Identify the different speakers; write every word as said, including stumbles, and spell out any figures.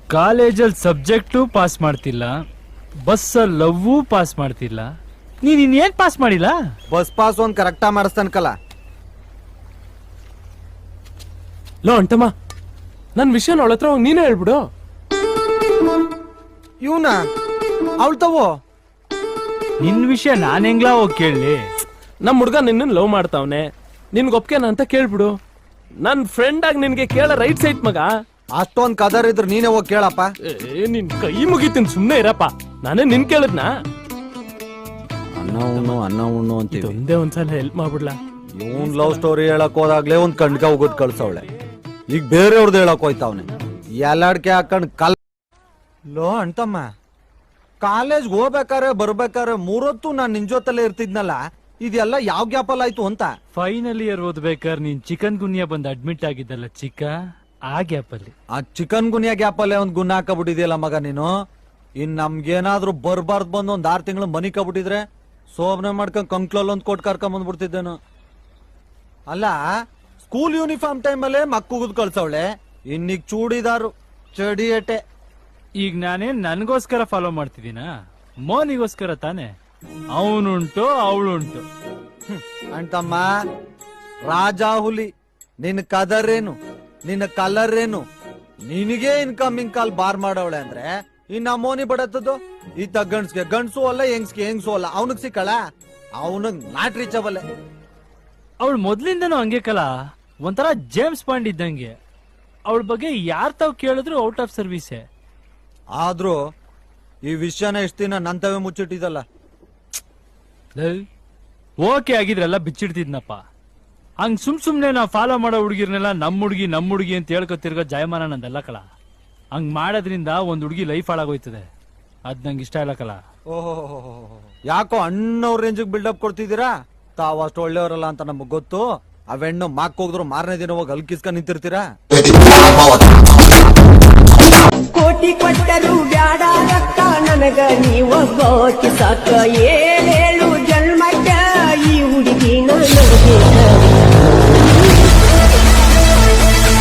Speaker 1: ಕಾಲೇಜಲ್ಲಿ subject pass ಮಾಡ್ತಿಲ್ಲ, ಬಸ್ಸಲ್ಲಿ ಲವ್ವು ಪಾಸ್ ಮಾಡ್ತಿಲ್ಲ, ನೀನ್ ಇನ್ನೇನ್ ಪಾಸ್ ಮಾಡಿಲ್ಲ?
Speaker 2: ಬಸ್ ಪಾಸ್ ಒಂದ್ ಕರೆಕ್ಟಾ ಮಾಡಿಸ್ತಾನಕಲ್ಲ.
Speaker 3: ಲೋ ಅಂಟಮ್ಮ, ನನ್ ವಿಷಯ ಅವಳ ಹತ್ರ ಹೋಗಿ ನೀನೇ ಹೇಳ್ಬಿಡು.
Speaker 2: ಇವನ ಅವಳು ತವೋ
Speaker 1: ನಿನ್ ವಿಷಯ ನಾನ್ ಹೆಂಗ್ಲಾ ಹೋಗಿ ಕೇಳಲಿ?
Speaker 3: ನಮ್ ಹುಡ್ಗ ನಿನ್ನ ಲವ್ ಮಾಡ್ತಾವನೆ, ನಿನ್ಗೊಪ್ಕೆನ ಅಂತ ಕೇಳ್ಬಿಡು. ನನ್ ಫ್ರೆಂಡ್ ಆಗಿ ನಿನ್ಗೆ ಕೇಳ ರೈಟ್ ಸೈಟ್ ಮಗ.
Speaker 2: ಅಷ್ಟೊಂದ್ ಕದರ್ ಇದ್ರೆ ನೀನೇ ಹೋಗಿ ಕೇಳಪ್ಪ.
Speaker 3: ಏ ನಿನ್ ಕೈ ಮುಗಿತೀನಿ, ಸುಮ್ನೆ ಇರಪ್ಪ. ನಾನೇ ನಿನ್ ಕೇಳದ್ನ.
Speaker 2: ಅನ್ನ ಉಣ್ಣು ಅನ್ನ ಉಣ್ಣು ಅಂತೀವಿ.
Speaker 3: ಒಂದೇ ಒಂದ್ಸಲ ಹೆಲ್ಪ್ ಮಾಡ್ಬಿಡ್ಲಾ?
Speaker 2: ಇವನ್ ಲವ್ ಸ್ಟೋರಿ ಹೇಳಕ್ ಹೋದಾಗ್ಲೇ ಒಂದ್ ಕಣ್ಕ ಹೋಗೋದ್ ಕಳ್ಸವಳೆ. ಈಗ ಬೇರೆಯವ್ರದ್ದು ಹೇಳಕ್ ಹೋಯ್ತಾವನೆ. ಎಲ್ಲಾಡ್ಕೆ ಹಾಕೊಂಡ್ ಕಲ್ ಲೋ ಅಂಟಮ್ಮ, ಕಾಲೇಜ್ ಹೋಗ್ಬೇಕಾರೆ ಬರ್ಬೇಕಾರೆ ಮೂರೊತ್ತು ನಾನ್ ನಿನ್ ಜೊತೆಲೆ ಇರ್ತಿದ್ನಲ್ಲ, ಇದೆಲ್ಲ ಯಾವ ಗ್ಯಾಪಲ್ ಆಯ್ತು ಅಂತ.
Speaker 1: ಫೈನಲ್ ಇಯರ್ ಓದ್ಬೇಕಾದ್ರೆ ನೀನ್ ಚಿಕನ್ ಗುನ್ಯಾ ಬಂದ್ ಅಡ್ಮಿಟ್ ಆಗಿದ್ದಲ್ಲ ಚಿಕ್ಕ, ಆ ಗ್ಯಾಪ್ ಅಲ್ಲಿ
Speaker 2: ಆ ಚಿಕನ್ ಗುನಿಯಾ ಗ್ಯಾಪ್ ಅಲ್ಲೇ ಒಂದ್ ಗುಣ ಹಾಕಬಿಟ್ಟಿದ್ಯಲ್ಲ ಮಗ ನೀನು. ಇನ್ ನಮ್ಗೇನಾದ್ರೂ ಬರ್ಬಾರ್ದು ಬಂದು ಒಂದ್ ಆರ್ ತಿಂಗಳು ಮನಿ ಕಬಿಟ್ಟಿದ್ರೆ ಸೋಮನೆ ಮಾಡ್ಕೊಂಡ್ ಕಂಕ್ಲಲ್ಲಿ ಒಂದ್ ಕೋಟ್ ಕರ್ಕೊಂಡ್ ಬಂದ್ಬಿಡ್ತಿದ್ದೇನು. ಅಲ್ಲ, ಸ್ಕೂಲ್ ಯೂನಿಫಾರ್ಮ್ ಟೈಮ್ ಅಲ್ಲೇ ಮಕ್ಕುಗುದ್ ಕಳ್ಸವಳೆ, ಇನ್ನೀಗ ಚೂಡಿದಾರು ಚಡಿಯಟೆ.
Speaker 1: ಈಗ ನಾನೇನ್ ನನ್ಗೋಸ್ಕರ ಫಾಲೋ ಮಾಡ್ತಿದ್ದೀನ? ಮೋನಿಗೋಸ್ಕರ ತಾನೆ. ಅವನುಂಟು ಅವಳುಂಟು.
Speaker 2: ಅಂಟಮ್ಮ, ರಾಜ ಹುಲಿ, ನಿನ್ ಕದರ್ ಏನು, ನಿನ್ನ ಕಲರ್ ಏನು, ನಿನಗೆ ಇನ್ಕಮಿಂಗ್ ಕಾಲ್ ಬಾರ್ ಮಾಡವಳೆ ಅಂದ್ರೆ ಇನ್ನ ಮೋನಿ ಬಡತ್ತದು ಈತ ಗಂಡ್ಸ್ಗೆ ಗಂಡ್ಸು ಅಲ್ಲ, ಹೆಂಗ್ಸ್ಗೆ ಹೆಂಗ್ಸು ಅಲ್ಲ. ಅವನಿಗೆ ಸಿಕ್ಕಳ, ಅವನಿಗೆ ನಾಟ್ ರೀಚಬಲ್ಲೆ.
Speaker 1: ಅವಳು ಮೊದ್ಲಿಂದನೂ ಹಂಗೆ ಕಲ, ಒಂಥರ ಜೇಮ್ಸ್ ಬಾಂಡ್ ಇದ್ದಂಗೆ. ಅವಳ ಬಗ್ಗೆ ಯಾರ್ ತಾವ್ ಕೇಳಿದ್ರು ಔಟ್ ಆಫ್ ಸರ್ವಿಸೇ.
Speaker 2: ಆದ್ರೂ ಈ ವಿಷಯನ ಎಷ್ಟು ದಿನ ನಂತವೇ ಮುಚ್ಚಿಟ್ಟಿದಲ್ಲ.
Speaker 1: ಓಕೆ ಆಗಿದ್ರೆಲ್ಲ ಬಿಚ್ಚಿಡ್ತಿದ್ನಪ್ಪ. ಹಂಗ್ ಸುಮ್ ಸುಮ್ನೆ ನಾವ್ ಫಾಲೋ ಮಾಡೋ ಹುಡುಗಿರ್ನೆಲ್ಲ ನಮ್ ಹುಡುಗಿ ನಮ್ ಹುಡುಗಿ ಅಂತ ಹೇಳ್ಕೊತಿರ್ಗೋ ಜಾಯಮಾನ ನಂದಲ್ಲ ಕಲ. ಹಂಗ್ ಮಾಡೋದ್ರಿಂದ ಒಂದ್ ಹುಡುಗಿ ಲೈಫ್ ಹಾಳಾಗೋಯ್ತದೆ. ಅದ್ ನಂಗೆ ಇಷ್ಟ ಇಲ್ಲ ಕಲ.
Speaker 2: ಓಹೋ, ಯಾಕೋ ಅಣ್ಣವ್ರ ರೇಂಜಿಗೆ ಬಿಲ್ಡಪ್ ಕೊಡ್ತಿದ್ದೀರಾ? ತಾವ್ ಅಷ್ಟು ಒಳ್ಳೆಯವರಲ್ಲ ಅಂತ ನಮಗ್ ಗೊತ್ತು. ಅವೆಣ್ಣು ಮಾಕ್ ಹೋಗಿದ್ರು ಮಾರನೇ ದಿನ ಹೋಗಿ ಅಲ್ಕಿಸ್ಕೊಂಡ್ ನಿಂತಿರ್ತೀರಾ.
Speaker 4: ಕೋಟಿ ಕೊಟ್ಟರು ಬ್ಯಾಡ ರೊಕ್ಕ ನನಗ ನೀವೊಬ್ಬ ಸಾಕ, ಏಳೇಳು ಜನ್ಮಕ್ಕ ಈ ಹುಡುಗಿ ನನಗೆ